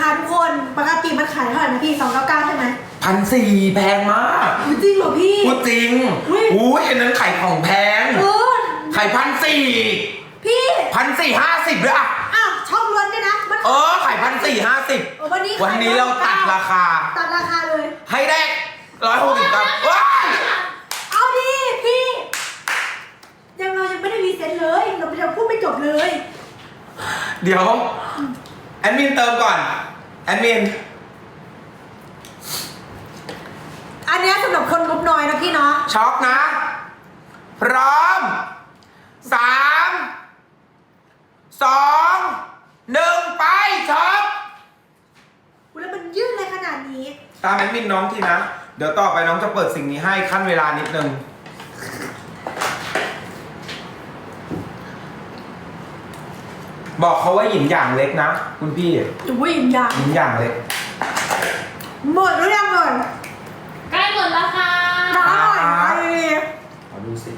ทุกคนปกติมันขายเท่าไหร่นะพี่299ใช่ไหม 1,400แพงมากจริงเหรอพี่พูดจริงอุ้ยอันนั้นไข่ของแพงไข่1,400 พี่ 1,450ด้วยอ่ะช่องล้วนด้วยนะไข่1,450วันนี้เราตัดราคาเลยให้ได้160ครับว้าเอาดิพี่เรายังไม่ได้รีเซ็ตเลยเรายังพูดไม่จบเลยเดี๋ยวแอดมินเติมก่อนแอดมินอันนี้สำหรับคนงบน้อยนะพี่เนาะช็อกนะพร้อม3 2 1ไปช็อกแล้วมันยืดเลยขนาดนี้ตามแอดมินน้องทีนะเดี๋ยวต่อไปน้องจะเปิดสิ่งนี้ให้ขั้นเวลานิดนึงบอกเขาว่าหยินอย่างเล็กนะคุณพี่หยินอย่างเล็กหมดหรือยังก่อนใกล้หมดแล้วค่ะขอดูสิ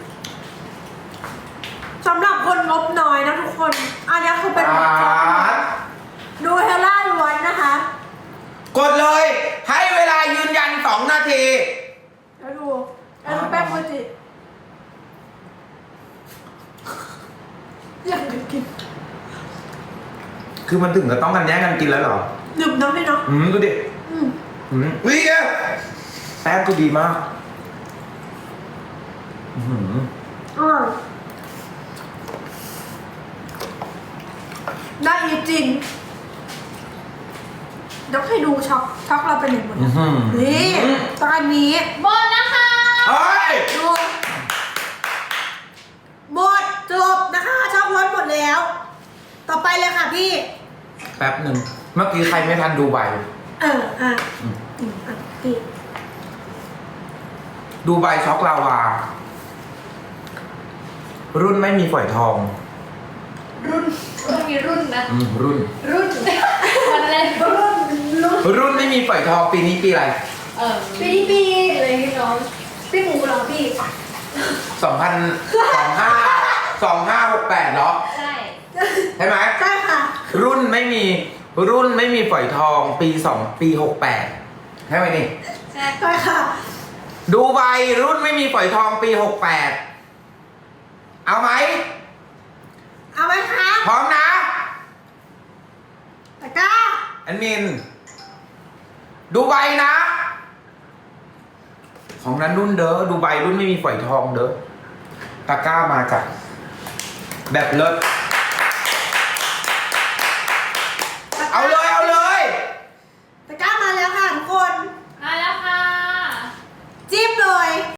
สำหรับคนงบน้อยนะทุกคนอันนี้คือเป็นดูเฮล่าล้วนนะคะกดเลยให้เวลายืนยัน2 นาทีแล้วดูแป้งโมจิอยากกินคือมันถึงกับต้องกันแย่งกันกินแล้วเหรอหนึบน้ำพี่เนาะดูดิวิ่งแป้งก็ดีมากได้จริงเดี๋ยวให้ดูช็อกเราเป็นอย่างหมดนี่ตอนนี้หมดนะคะดูหมดจบนะคะช็อกล้วนหมดแล้วต่อไปเลยค่ะพี่แป๊บหนึ่งเมื่อกี้ใครไม่ทันดูใบพี่ดูใบช็อกลาวารุ่นไม่มีฝอยทองมีรุ่นนะรุ่นมันอะไรรุ่นไม่มีฝอยทองปีนี้ปีอะไรปีอะไรพี่น้องปีหมูเหรอพี่ 2568เนาะใช่ไหมใช่ค่ะรุ่นไม่มีฝอยทองปี68ใช่ไหมนี่ใช่ค่ะดูใบรุ่นไม่มีฝอยทองปี68เอาไหมคะพร้อมนะตะก้าแอดมินดูใบนะของนั้นรุ่นเด้อดูใบรุ่นไม่มีฝอยทองเด้อตะก้ามาจากแบบเลิศ